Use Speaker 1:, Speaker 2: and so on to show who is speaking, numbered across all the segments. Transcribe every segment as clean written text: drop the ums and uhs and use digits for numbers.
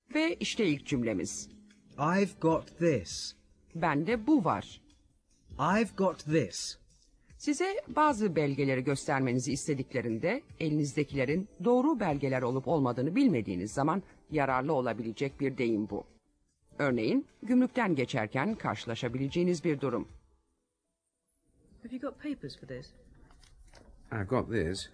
Speaker 1: Ve işte ilk cümlemiz.
Speaker 2: I've got this.
Speaker 1: Bende bu var.
Speaker 2: I've got this.
Speaker 1: Size bazı belgeleri göstermenizi istediklerinde elinizdekilerin doğru belgeler olup olmadığını bilmediğiniz zaman yararlı olabilecek bir deyim bu. Örneğin gümrükten geçerken karşılaşabileceğiniz bir durum.
Speaker 3: Have you got papers for this?
Speaker 4: I've got this.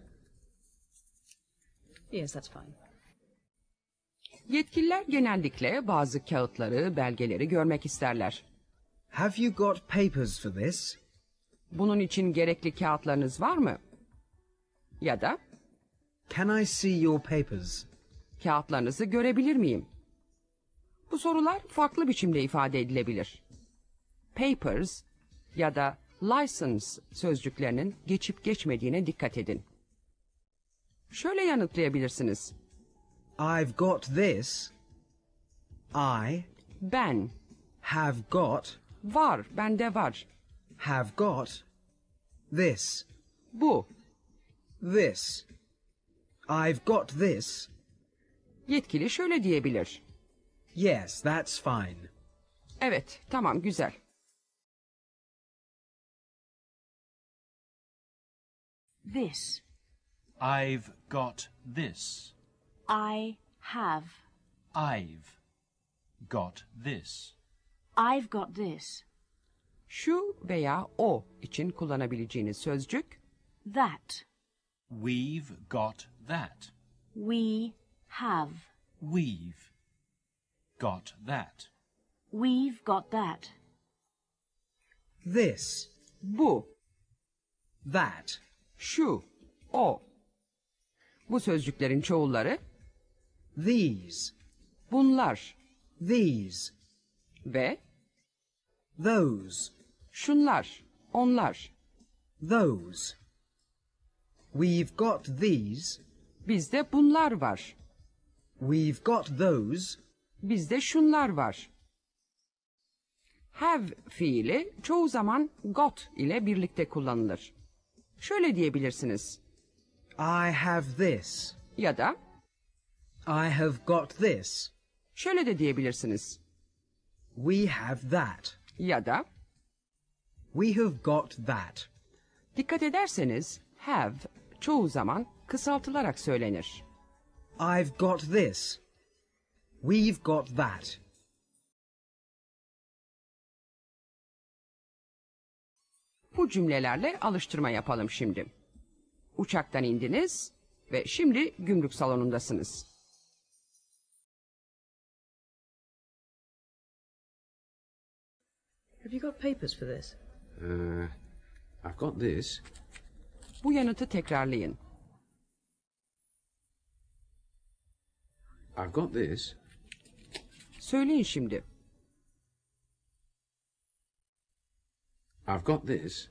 Speaker 3: Yes, that's fine.
Speaker 1: Yetkililer genellikle bazı kağıtları, belgeleri görmek isterler.
Speaker 2: Have you got papers for this?
Speaker 1: Bunun için gerekli kağıtlarınız var mı? Ya da
Speaker 2: Can I see your papers?
Speaker 1: kağıtlarınızı görebilir miyim? Bu sorular farklı biçimde ifade edilebilir. Papers ya da license sözcüklerinin geçip geçmediğine dikkat edin. Şöyle yanıtlayabilirsiniz.
Speaker 2: I've got this. I
Speaker 1: Ben,
Speaker 2: have got,
Speaker 1: var, bende var.
Speaker 2: have got this.
Speaker 1: Bu,
Speaker 2: This. I've got this.
Speaker 1: yetkili şöyle diyebilir.
Speaker 2: Yes, that's fine.
Speaker 1: Evet, tamam, güzel.
Speaker 5: This.
Speaker 6: I've got this.
Speaker 5: I have.
Speaker 6: I've got this.
Speaker 5: I've got this.
Speaker 1: Şu veya o için kullanabileceğiniz sözcük
Speaker 5: That.
Speaker 6: We've got that.
Speaker 5: We have.
Speaker 6: We've got that.
Speaker 5: We've got that.
Speaker 2: This.
Speaker 1: bu,
Speaker 2: That.
Speaker 1: şu, o. Bu sözcüklerin çoğulları
Speaker 2: These.
Speaker 1: bunlar
Speaker 2: These.
Speaker 1: ve
Speaker 2: Those.
Speaker 1: şunlar, onlar.
Speaker 2: Those. We've got these.
Speaker 1: Bizde bunlar var.
Speaker 2: We've got those.
Speaker 1: Bizde şunlar var. Have fiili çoğu zaman got ile birlikte kullanılır. Şöyle diyebilirsiniz.
Speaker 2: I have this.
Speaker 1: Ya da
Speaker 2: I have got this.
Speaker 1: şöyle de diyebilirsiniz.
Speaker 2: We have that.
Speaker 1: Ya da
Speaker 2: We have got that.
Speaker 1: dikkat ederseniz have çoğu zaman kısaltılarak söylenir.
Speaker 2: I've got this. We've got that.
Speaker 1: Bu cümlelerle alıştırma yapalım şimdi. Uçaktan indiniz ve şimdi gümrük salonundasınız.
Speaker 3: Have you got papers for this?
Speaker 4: I've got this.
Speaker 1: Bu yanıtı tekrarlayın.
Speaker 4: I've got this.
Speaker 1: Söyleyin şimdi.
Speaker 4: I've got this.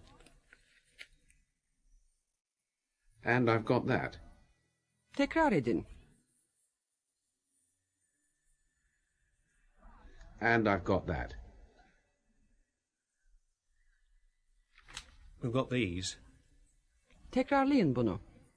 Speaker 4: And I've got that.
Speaker 1: Tekrar edin.
Speaker 4: And I've got that.
Speaker 7: We've got these.
Speaker 1: Tekrarlayın bunu.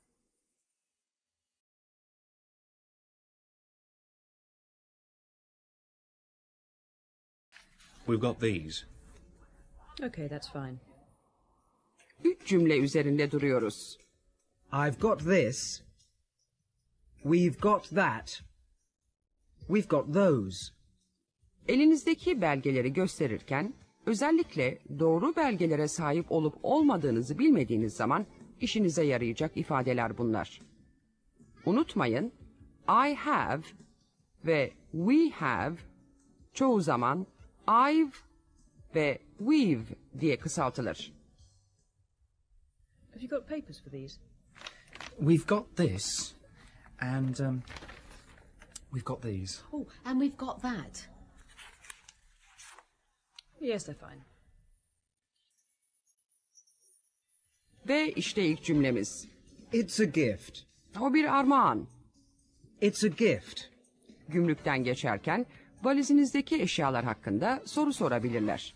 Speaker 7: We've got these.
Speaker 3: Okay, that's fine.
Speaker 1: 3 cümle üzerinde duruyoruz.
Speaker 2: I've got this. We've got that. We've got those.
Speaker 1: Elinizdeki belgeleri gösterirken özellikle doğru belgelere sahip olup olmadığınızı bilmediğiniz zaman işinize yarayacak ifadeler bunlar. Unutmayın, I have ve we have çoğu zaman I've ve we've diye kısaltılır.
Speaker 3: Have you got papers for these?
Speaker 8: We've got this, and we've got these.
Speaker 9: Oh, and we've got that.
Speaker 3: Yes, they're fine.
Speaker 1: Ve işte ilk cümlemiz.
Speaker 2: It's a gift.
Speaker 1: O bir armağan.
Speaker 2: It's a gift.
Speaker 1: Gümrükten geçerken valizinizdeki eşyalar hakkında soru sorabilirler.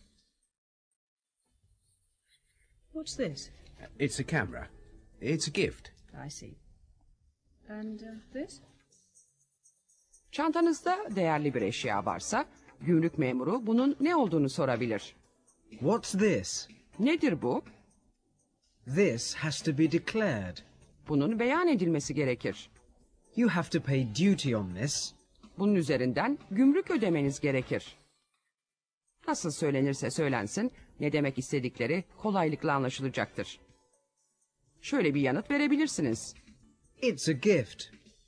Speaker 3: What's this?
Speaker 4: It's a camera. It's a gift.
Speaker 3: I see. And this?
Speaker 1: Çantanızda değerli bir eşya varsa gümrük memuru bunun ne olduğunu sorabilir.
Speaker 2: What's this?
Speaker 1: Nedir bu?
Speaker 2: This has to be declared.
Speaker 1: Bunun beyan edilmesi gerekir.
Speaker 2: You have to pay duty on this.
Speaker 1: Bunun üzerinden gümrük ödemeniz gerekir. Nasıl söylenirse söylensin, ne demek istedikleri kolaylıkla anlaşılacaktır. Şöyle bir yanıt verebilirsiniz.
Speaker 2: It's a gift.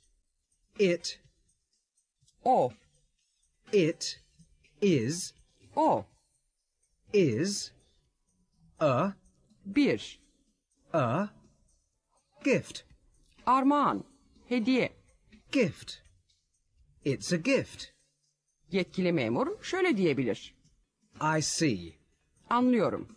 Speaker 1: O,
Speaker 2: It is a
Speaker 1: bir,
Speaker 2: gift.
Speaker 1: armağan, hediye.
Speaker 2: Gift. It's a gift.
Speaker 1: Yetkili memur şöyle diyebilir.
Speaker 2: I see.
Speaker 1: Anlıyorum.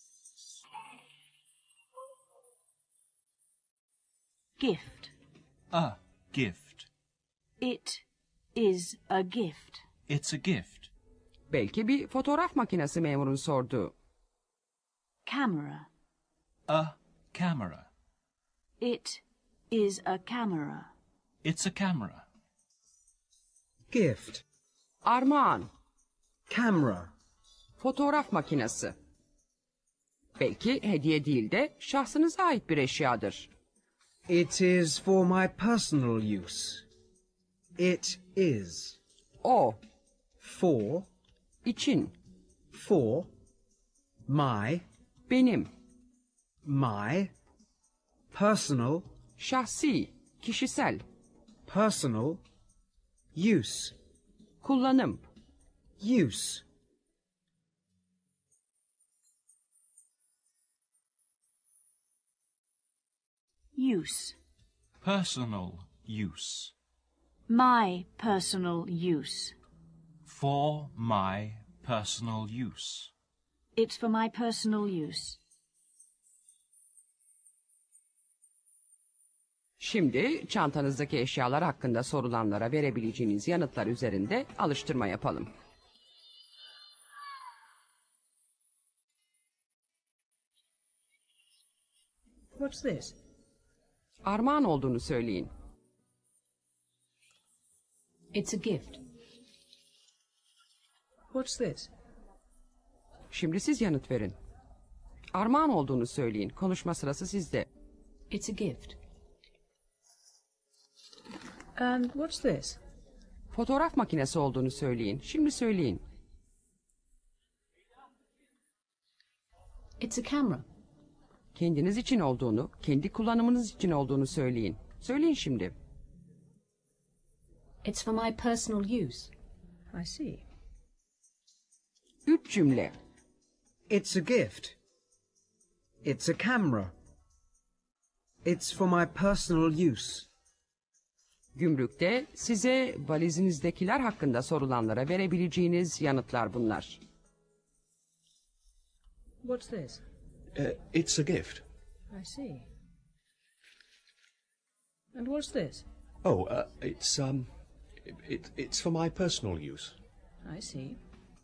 Speaker 5: Gift.
Speaker 6: A gift.
Speaker 5: It is a gift.
Speaker 6: It's a gift.
Speaker 1: Belki bir fotoğraf makinesi memurun sorduğu.
Speaker 5: Camera.
Speaker 6: A camera.
Speaker 5: It is a camera.
Speaker 6: It's a camera.
Speaker 2: Gift.
Speaker 1: Armağan,
Speaker 2: Camera.
Speaker 1: fotoğraf makinesi. Belki hediye değil de şahsınıza ait bir eşyadır.
Speaker 2: It is for my personal use. It is.
Speaker 1: O,
Speaker 2: For.
Speaker 1: için,
Speaker 2: For. My.
Speaker 1: benim,
Speaker 2: My. Personal.
Speaker 1: şahsi, kişisel,
Speaker 2: Personal. Use.
Speaker 1: kullanım.
Speaker 2: Use.
Speaker 5: Use.
Speaker 6: Personal use.
Speaker 5: My personal use.
Speaker 6: For my personal use.
Speaker 5: It's for my personal use.
Speaker 1: Şimdi çantanızdaki eşyalar hakkında sorulanlara verebileceğiniz yanıtlar üzerinde alıştırma yapalım.
Speaker 3: What's this?
Speaker 1: Armağan olduğunu söyleyin.
Speaker 9: It's a gift.
Speaker 3: What's this?
Speaker 1: Şimdi siz yanıt verin. Armağan olduğunu söyleyin. Konuşma sırası sizde.
Speaker 9: It's a gift.
Speaker 3: And what's this?
Speaker 1: Fotoğraf makinesi olduğunu söyleyin. Şimdi söyleyin.
Speaker 9: It's a camera.
Speaker 1: Kendiniz için olduğunu, kendi kullanımınız için olduğunu söyleyin. Söyleyin şimdi.
Speaker 9: It's for my personal use.
Speaker 3: I see.
Speaker 1: 3 cümle.
Speaker 2: It's a gift. It's a camera. It's for my personal use.
Speaker 1: Gümrükte size valizinizdekiler hakkında sorulanlara verebileceğiniz yanıtlar bunlar.
Speaker 3: What's this?
Speaker 7: It's a gift.
Speaker 3: I see. And what's this?
Speaker 7: Oh, it's for my personal use.
Speaker 3: I see.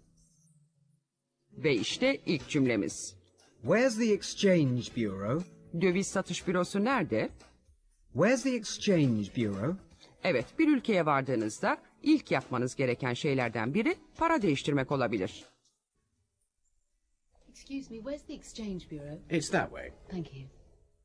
Speaker 1: Ve işte ilk cümlemiz.
Speaker 2: Where's the exchange bureau?
Speaker 1: Döviz satış bürosu nerede?
Speaker 2: Where's the exchange bureau?
Speaker 1: Evet, bir ülkeye vardığınızda ilk yapmanız gereken şeylerden biri para değiştirmek olabilir.
Speaker 9: Excuse me, where's the exchange bureau?
Speaker 4: It's that way.
Speaker 9: Thank you.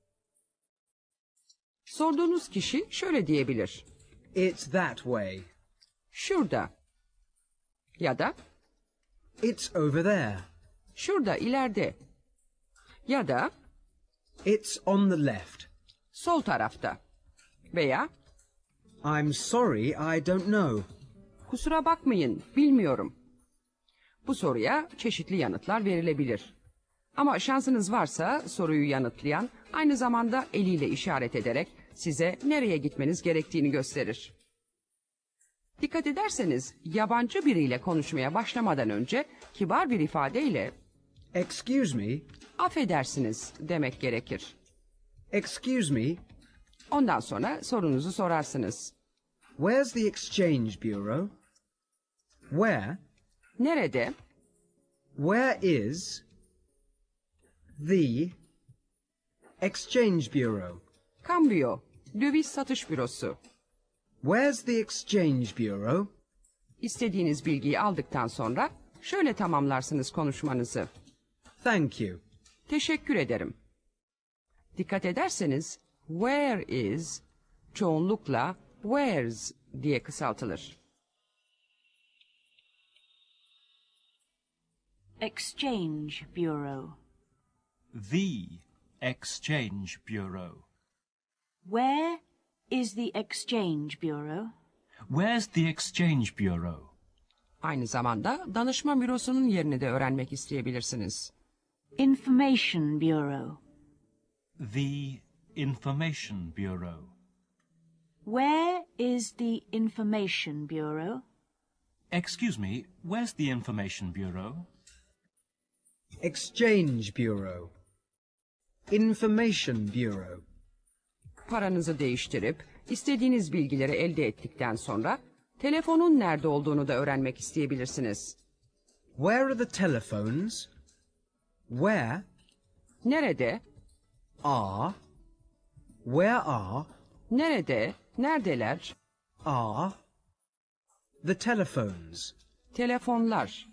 Speaker 1: Sorduğunuz kişi şöyle diyebilir.
Speaker 2: It's that way.
Speaker 1: Şurada. Ya da
Speaker 2: It's over there.
Speaker 1: şurada ileride. Ya da
Speaker 2: It's on the left.
Speaker 1: sol tarafta. Veya
Speaker 2: I'm sorry, I don't know.
Speaker 1: kusura bakmayın, bilmiyorum. Bu soruya çeşitli yanıtlar verilebilir. Ama şansınız varsa soruyu yanıtlayan aynı zamanda eliyle işaret ederek size nereye gitmeniz gerektiğini gösterir. Dikkat ederseniz yabancı biriyle konuşmaya başlamadan önce kibar bir ifadeyle
Speaker 2: Excuse me.
Speaker 1: affedersiniz demek gerekir.
Speaker 2: Excuse me.
Speaker 1: Ondan sonra sorunuzu sorarsınız.
Speaker 2: Where's the exchange bureau? Where?
Speaker 1: Nerede?
Speaker 2: Where is the exchange bureau?
Speaker 1: Cambio, döviz satış bürosu.
Speaker 2: Where's the Exchange Bureau?
Speaker 1: İstediğiniz bilgiyi aldıktan sonra şöyle tamamlarsınız konuşmanızı.
Speaker 2: Thank you.
Speaker 1: Teşekkür ederim. Dikkat ederseniz where is çoğunlukla where's diye kısaltılır.
Speaker 5: Exchange Bureau.
Speaker 6: The Exchange Bureau.
Speaker 5: Where is the Exchange Bureau?
Speaker 6: Where's the Exchange Bureau?
Speaker 1: Aynı zamanda danışma bürosunun yerini de öğrenmek isteyebilirsiniz.
Speaker 5: Information Bureau.
Speaker 6: The Information Bureau.
Speaker 5: Where is the Information Bureau?
Speaker 6: Excuse me, where's the Information Bureau?
Speaker 2: Exchange Bureau. Information Bureau.
Speaker 1: Paranızı değiştirip istediğiniz bilgileri elde ettikten sonra telefonun nerede olduğunu da öğrenmek isteyebilirsiniz.
Speaker 2: Where are the telephones? Where
Speaker 1: Nerede,
Speaker 2: are, where are,
Speaker 1: nerede, neredeler,
Speaker 2: are the telephones?
Speaker 1: telefonlar,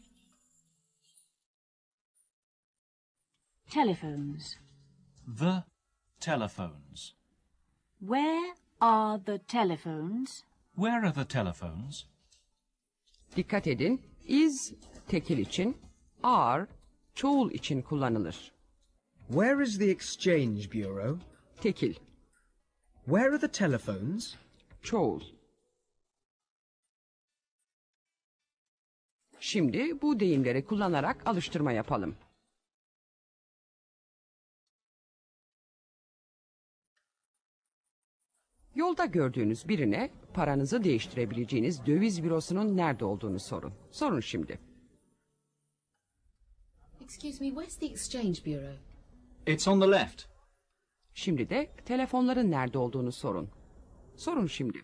Speaker 5: Telephones.
Speaker 6: The telephones.
Speaker 5: Where are the telephones?
Speaker 6: Where are the telephones?
Speaker 1: Dikkat edin, is tekil için, are çoğul için kullanılır.
Speaker 2: Where is the Exchange Bureau?
Speaker 1: Tekil,
Speaker 2: Where are the telephones?
Speaker 1: çoğul. Şimdi bu deyimleri kullanarak alıştırma yapalım. Yolda gördüğünüz birine paranızı değiştirebileceğiniz döviz bürosunun nerede olduğunu sorun. Sorun şimdi.
Speaker 9: Excuse me, where's the Exchange Bureau?
Speaker 8: It's on the left.
Speaker 1: Şimdi de telefonların nerede olduğunu sorun. Sorun şimdi.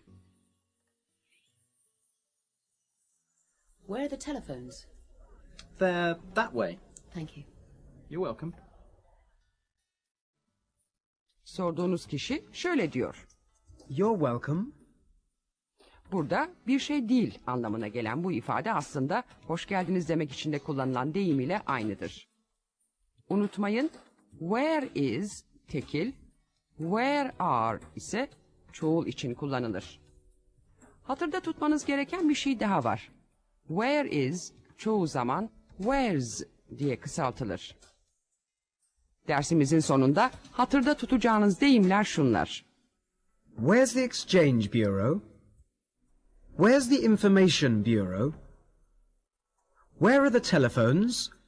Speaker 9: Where are the telephones?
Speaker 8: They're that way.
Speaker 9: Thank you.
Speaker 8: You're welcome.
Speaker 1: Sorduğunuz kişi şöyle diyor.
Speaker 2: You're welcome.
Speaker 1: Burada bir şey değil anlamına gelen bu ifade aslında hoş geldiniz demek için de kullanılan deyim ile aynıdır. Unutmayın, where is tekil, where are ise çoğul için kullanılır. Hatırda tutmanız gereken bir şey daha var. Where is çoğu zaman where's diye kısaltılır. Dersimizin sonunda hatırda tutacağınız deyimler şunlar.
Speaker 2: Where's the Exchange Bureau? Where's the Information Bureau? Where are the telephones?